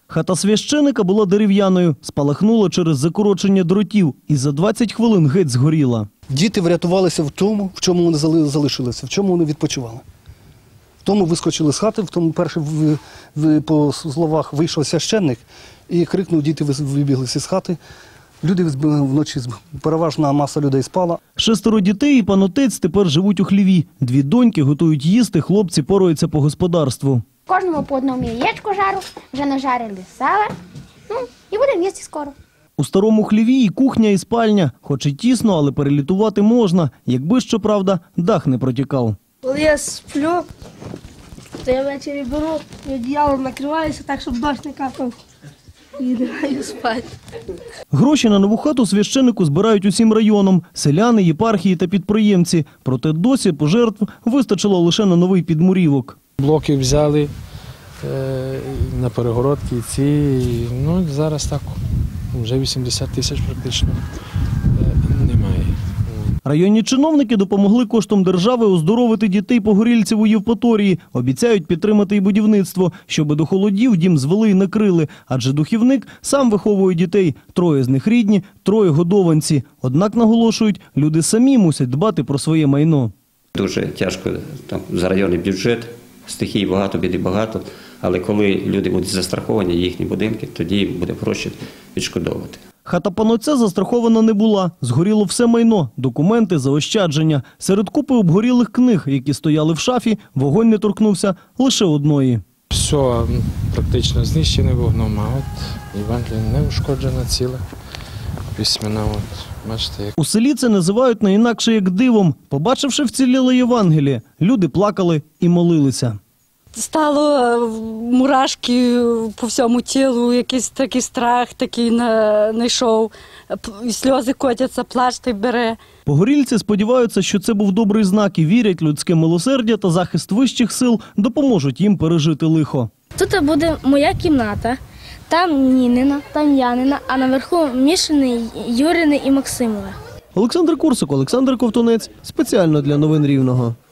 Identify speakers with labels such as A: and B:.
A: Хата священика була дерев'яною, спалахнула через закорочення дротів і за 20 хвилин геть згоріла.
B: Діти врятувалися в тому, в чому вони залишилися, в чому вони відпочивали. В тому вискочили з хати, в тому перший, по словах, вийшов священник і крикнув, діти вибігли з хати. Люди вночі, переважна маса людей спала.
A: 6 дітей і пан отець тепер живуть у хліві. 2 доньки готують їсти, хлопці пораються по господарству.
C: Кожному по одному яєчку жару, вже нажарили сала, і будемо їсти скоро.
A: У старому хліві і кухня, і спальня. Хоч і тісно, але перелітувати можна, якби, щоправда, дах не протікав.
D: Коли я сплю, то я ввечері беру і одіялом накриваюся так, щоб дощ не капав. І лягаю спати.
A: Гроші на нову хату священику збирають усім районом – селяни, єпархії та підприємці. Проте досі пожертв вистачило лише на новий підмурівок.
E: Блоки взяли на перегородки ці, зараз так, вже 80 тисяч практично немає.
A: Районні чиновники допомогли коштом держави оздоровити дітей погорільців у Євпаторії. Обіцяють підтримати і будівництво, щоби до холодів дім звели і накрили. Адже духівник сам виховує дітей. 3 з них рідні, 3 годованці. Однак, наголошують, люди самі мусять дбати про своє майно.
F: Дуже тяжко за районний бюджет, стихій багато, біди багато. Але коли люди будуть застраховані, їхні будинки, тоді буде проще відшкодовувати.
A: Хата пана отця застрахована не була. Згоріло все майно, документи, заощадження. Серед купи обгорілих книг, які стояли в шафі, вогонь не торкнувся лише одної.
E: Все практично знищене вогном, а от Євангелія не ушкоджена ціла, письмена. Бачите, як.
A: У селі це називають не інакше як дивом. Побачивши вціліле Євангеліє, люди плакали і молилися.
G: Стало мурашки по всьому тілу, якийсь такий страх такий знайшов, сльози котяться, плач той бере.
A: Погорільці сподіваються, що це був добрий знак і вірять, людське милосердя та захист вищих сил допоможуть їм пережити лихо.
H: Тут буде моя кімната, там Нінина, там Янина, а наверху Мішини, Юрини і Максимове.
A: Олександр Курсик, Олександр Ковтунець. Спеціально для новин Рівного.